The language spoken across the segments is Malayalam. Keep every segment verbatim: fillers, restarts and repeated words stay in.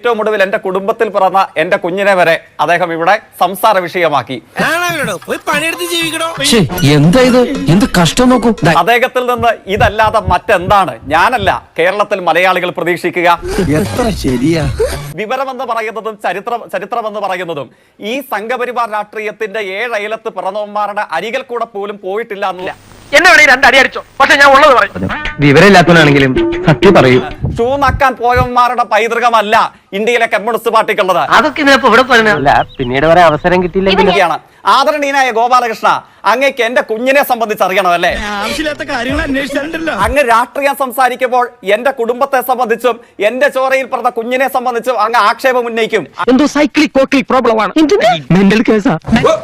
ഏറ്റവും ഒടുവിൽ എന്റെ കുടുംബത്തിൽ പിറന്ന എന്റെ കുഞ്ഞിനെ വരെ അദ്ദേഹം ഇവിടെ സംസാര വിഷയമാക്കി. എന്താ ഇത്? എന്ത് കഷ്ടം നോക്കൂ. അദ്ദേഹത്തിൽ നിന്ന് ഇതല്ലാതെ മറ്റെന്താണ് ഞാനല്ല കേരളത്തിൽ മലയാളികൾ പ്രതീക്ഷിക്കുക? എത്ര ശരിയാ. വിവരമെന്ന് പറയുന്നതും ചരിത്രം ചരിത്രമെന്ന് പറയുന്നതും ഈ സംഘപരിവാർ രാഷ്ട്രീയത്തിന്റെ ഏഴയലത്ത് പിറന്നവന്മാരുടെ അരികിൽ കൂടെ പോലും പോയിട്ടില്ല എന്നില്ല. എന്നെ വേണേ രണ്ടടി അടിച്ചോ, പക്ഷെ ഞാൻ ഉള്ളത് പറയും. വിവരമില്ലാത്തവനാണെങ്കിലും സത്യം പറയൂ. ഷൂ നക്കാൻ പോയവന്മാരുടെ പൈതൃകമല്ല ഇന്ത്യയിലെ കമ്മ്യൂണിസ്റ്റ് പാർട്ടിക്കുള്ളത്. അതൊക്കെ ഇതിനപ്പോ ഇവിടെ പറഞ്ഞ പിന്നീട് വരെ അവസരം കിട്ടിയില്ല. ആദരണീയനായ ഗോപാലകൃഷ്ണ, അങ്ങേക്ക് എന്റെ കുഞ്ഞിനെ സംബന്ധിച്ച് അറിയണമല്ലേ? ആവശ്യമില്ലാത്ത കാര്യങ്ങൾ അന്വേഷിച്ചിട്ടുണ്ടല്ലോ. അങ്ങ് രാഷ്ട്രീയം സംസാരിക്കുമ്പോൾ എന്റെ കുടുംബത്തെ സംബന്ധിച്ചും എന്റെ ചോരയിൽ പറഞ്ഞ കുഞ്ഞിനെ സംബന്ധിച്ചും അങ്ങ് ആക്ഷേപം ഉന്നയിക്കും. എന്തോ സൈക്ലിക് കോക്ലിക് പ്രോബ്ലം ആണ്. മെന്റൽ കേസാ.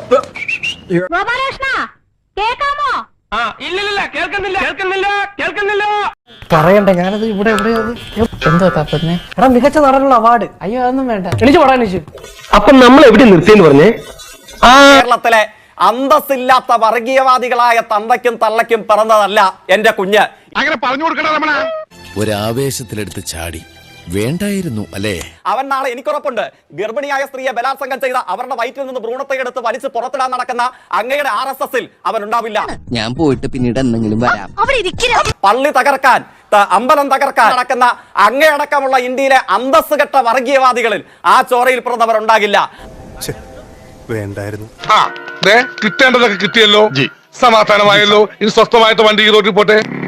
പറയണ്ട, ഞാനത് ഇവിടെ എവിടെയാ എന്തോ തപ്പന്നെ. എടാ, മികച്ച നടനുള്ള അവാർഡ്. അയ്യോ, അതൊന്നും വേണ്ട, എനിക്ക് പറയാൻ വെച്ചു. അപ്പൊ നമ്മൾ എവിടെ നിർത്തിയെന്ന് പറഞ്ഞേ? കേരളത്തിലെ അന്തസ്സില്ലാത്ത വർഗീയവാദികളായ തന്തയ്ക്കും തള്ളയ്ക്കും പിറന്നതല്ല എന്റെ കുഞ്ഞ്. അങ്ങനെ പറഞ്ഞു കൊടുക്കണ ഒരാവേശത്തിലെടുത്ത് ചാടി വേണ്ടായിരുന്നു അല്ലേ? അവൻ നാളെ എനിക്കുറപ്പുണ്ട് ഗർഭിണിയായ സ്ത്രീയെ ബലാത്സംഗം ചെയ്ത അവരുടെ വയറ്റിൽ നിന്ന് ഭ്രൂണത്തെ എടുത്ത് വലിച്ച് പുറത്തിടാൻ നടക്കുന്ന അങ്ങയുടെ ആർ എസ് എസിൽ അവൻ ഉണ്ടാവില്ല. ഞാൻ പോയിട്ട് പിന്നീട് എന്തെങ്കിലും വരാം. പള്ളി തകർക്കാൻ, അമ്പലം തകർക്കാൻ നടക്കുന്ന അങ്ങയടക്കമുള്ള ഇന്ത്യയിലെ അന്തസ് കെട്ട വർഗീയവാദികളിൽ ആ ചോരയിൽ പിറന്നവർ ഉണ്ടാകില്ല. വേണ്ടായിരുന്നു. കിട്ടേണ്ടതൊക്കെ കിട്ടിയല്ലോ, സമാധാനമായല്ലോ. ഇനി സ്വസ്ഥമായിട്ട് വണ്ടി റോഡിൽ പോട്ടെ.